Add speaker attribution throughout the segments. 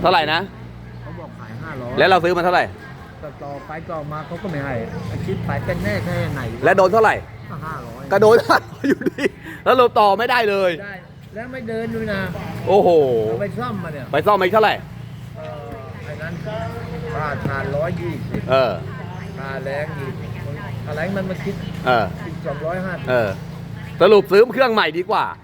Speaker 1: เท่าไหร่นะ
Speaker 2: เขาบอกขาย500
Speaker 1: แล้วเราซื้อมาเท่าไหร่
Speaker 2: ต่อไปต่อมาเขาก็ไม่ให้คิดไปเป็นแน่แค่ไหน
Speaker 1: แล้วโดนเท่าไหร่
Speaker 2: 500
Speaker 1: ก็โดนอยู่ดีแล้วเราต่อไม่ได้เลย
Speaker 2: ได้แล้วไม่เดินด้วยนะ
Speaker 1: โอ้โห
Speaker 2: ไปซ่อมมาเนี่ย
Speaker 1: ไปซ่อมไปเท่าไหร่
Speaker 2: ไอ้นั้นค่าทาน120ค่าแรงอีกอะไรมันมาคิดอีก250
Speaker 1: สรุปซื้อเครื่องใหม่ดีกว่า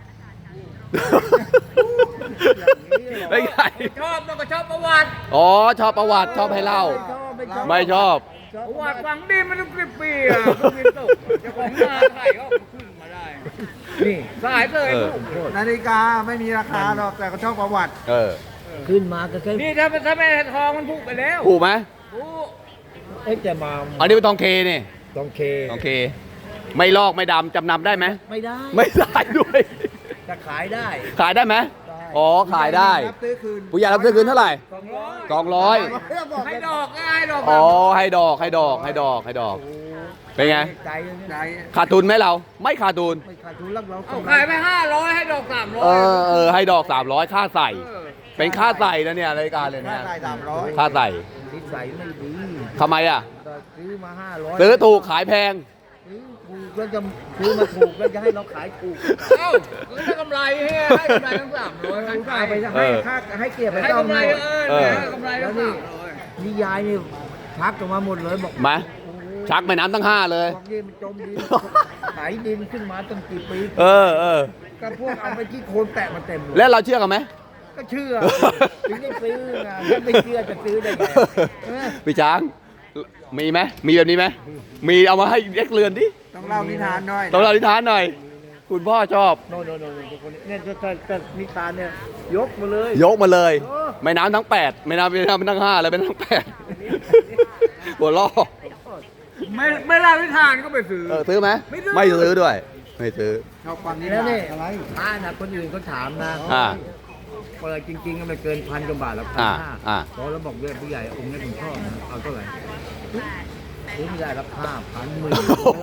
Speaker 1: ไม่ใช่
Speaker 2: ชอบมันก็ชอบประวัติ
Speaker 1: อ๋อชอบประวัติชอบให้เล่าไม่ชอบ
Speaker 2: ประวัติฟังดีมันต้อง10 ปีอ่ะคุณมินโตจะของนาไทยก็ขึ้นมาได้นี่สายเลย
Speaker 3: นาฬิกาไม่มีราคาหรอกแต่ก็ชอบประวัติ
Speaker 2: ขึ้นมาก็แค่นี่ถ้าแม่ทองมันถูกไปแล้ว
Speaker 1: ถูกไหม
Speaker 2: ถูกจะมา
Speaker 1: อันนี้เป็นทองเคนี่
Speaker 2: ทองเค
Speaker 1: ไม่ลอกไม่ดำจำนำได้ไหม
Speaker 2: ไม่ได้
Speaker 1: ด้วย
Speaker 2: จะขายได้
Speaker 1: ไหมอ๋อขายได้ผู้ใหญ่รับซื้อคืนเท่าไหร่200
Speaker 2: ให้ดอกง่ายดอก
Speaker 1: อ๋อให้ดอกเป็นไงขาดทุนไหมเราไม่ขาดทุน
Speaker 2: เอาขายไป500ให้ดอก
Speaker 1: 300ให้ดอก300ค่าใส่เป็นค่าใส่นะเนี่ยรายการเลยนะค่าใส่
Speaker 2: ใส่ไม่ดี
Speaker 1: ทำไมอ่ะ
Speaker 2: ซื้อมา500
Speaker 1: ซื้อถูกขายแพง
Speaker 2: ก็จะซื้อมาถูกแล้วจะให้เราขายถูกได้กำไรให้กำไรทั้ง300ขายไปให้เกียรติไปให้กำไรกำไรแล้วนี่ยายนี่ชักออกมาหมดเลยบอก
Speaker 1: มาชักแม่น้ำทั้ง5เลย
Speaker 2: บอกนี่มันจมดินไถดินขึ้นมาตั้งกี่ปีก็พวกเอาไปที่โคนแตะมาเต็มเลย
Speaker 1: แล้วเราเชื่อกันไหม
Speaker 2: ก็เชื่อถึงได้ซื้อนะถ้าไม่เชื่อจะซื้อได้ไง
Speaker 1: พี่ช้างมีไหมมีแบบนี้ไหมมีเอามาให้เด็กเรือนดิ
Speaker 3: ต้องเล่านิทานหน่
Speaker 1: อยคุณพ่อชอบ
Speaker 2: เนี่ยจะนิทานเนี่ยยกมา
Speaker 1: เลยไม่น้ำทั้ง8ไม่น้ำทั้ง5เลยเป็นทั้ง8หัวล้อ
Speaker 2: ไม่เล่านิทานก็ไปซื้อ
Speaker 1: ซื้อไหมไม่ซื้อด้วยไม่ซื้อ
Speaker 3: ชอบฟังนิ
Speaker 2: ทา
Speaker 3: น
Speaker 2: อะไรนะคนอื่นเขาถามนะเปิดจริงๆก็ไม่เกิน1,000 กว่าบาทแล้ว1,500พอแล้วบอกด้วยผู้ใหญ่องค์นี้ผมชอบนะเอาเท่าไหร่ซื้อไม่ได้รับ5,000 10,000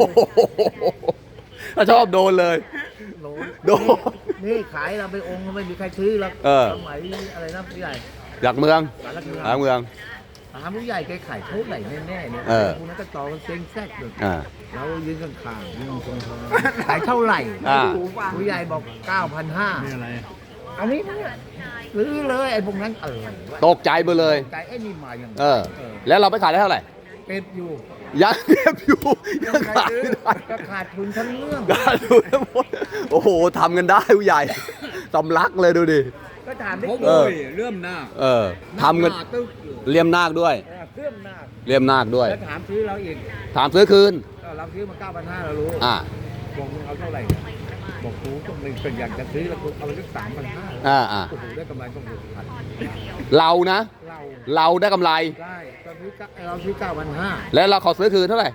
Speaker 1: ถ้าชอบโดนเลย
Speaker 2: นี่ขายเราไปองค์ไม่มีใครซื้อแล้วสมัยอะไรนะผู้ใหญ่
Speaker 1: หลักเมืองถาม
Speaker 2: ผู้ใหญ่แกขายเท่าไหร่แน่ๆเนี่ยพวกนั้นก็ต่อกันเซ็งแซกเลยเรายืนข้างๆยืนตรงๆขายเท่าไหร่ผู้ใหญ่บอก 9,500นี่อะไรอันนี้เนี่ยซื้อเลยไอ้พวกนั้น
Speaker 1: ตกใจไปเลย
Speaker 2: ใจไอ้นี่มาอย่าง
Speaker 1: แล้วเราไปขายได้เท่าไหร่
Speaker 2: เก็บอยู่
Speaker 1: ยังขายไม่ได้
Speaker 2: ขาดทุนทั้งเรื่อง
Speaker 1: ขาดทุนทั้งหมดโอ้โหทำกันได้ผู้ใหญ่สำลักเลยดูดิ
Speaker 2: ก็ถามได้เลื่อมนาค
Speaker 1: ทำกันเลี่ยมนาคด้วยเลี่ยมนาคด้วย
Speaker 2: แล้วถามซื้อเราอีก
Speaker 1: ถามซื้อคืน
Speaker 2: เราซื้อมา 9,500เรารู้บอกมึงเอาเท่าไหร่บอกกูก็มึงเป็นอยากจะซื้อแล้วกูเอาไปสัก3,500โอ้โหได้กำไรต้อง6,000
Speaker 1: เรานะเราได้กำไร
Speaker 2: ได้เราซื้อ 9,500
Speaker 1: แล้วเราขอซื้อคืนเท่าไหร่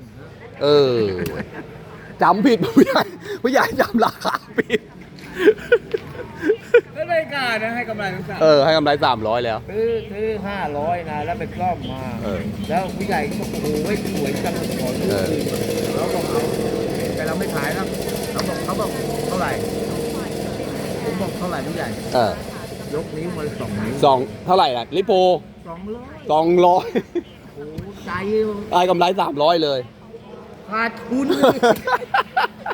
Speaker 2: 3,500
Speaker 1: จำผิดผู้ใหญ่จำราคาผิด
Speaker 2: ก็เลยการนะให้กำไรทั้ง
Speaker 1: ให้กำไร300แล้ว
Speaker 2: ซื้อ500นะแล้วไปกล้อมมาแล้วผู้ใหญ่ก็บอกโอ้โหสวยจังขอซื้อแล้วบอกเอาแต่เราไม่ขายแล้วเขาบอกเท่าไหร่ผมบอกเท่าไหร่ผู้ใหญ่ยกนิ้วมา2 นิ้ว
Speaker 1: เท่าไหร่ล่ะลิโพ200โอ้
Speaker 2: ใจ
Speaker 1: ได้กำไร300เลย
Speaker 2: ขาดทุน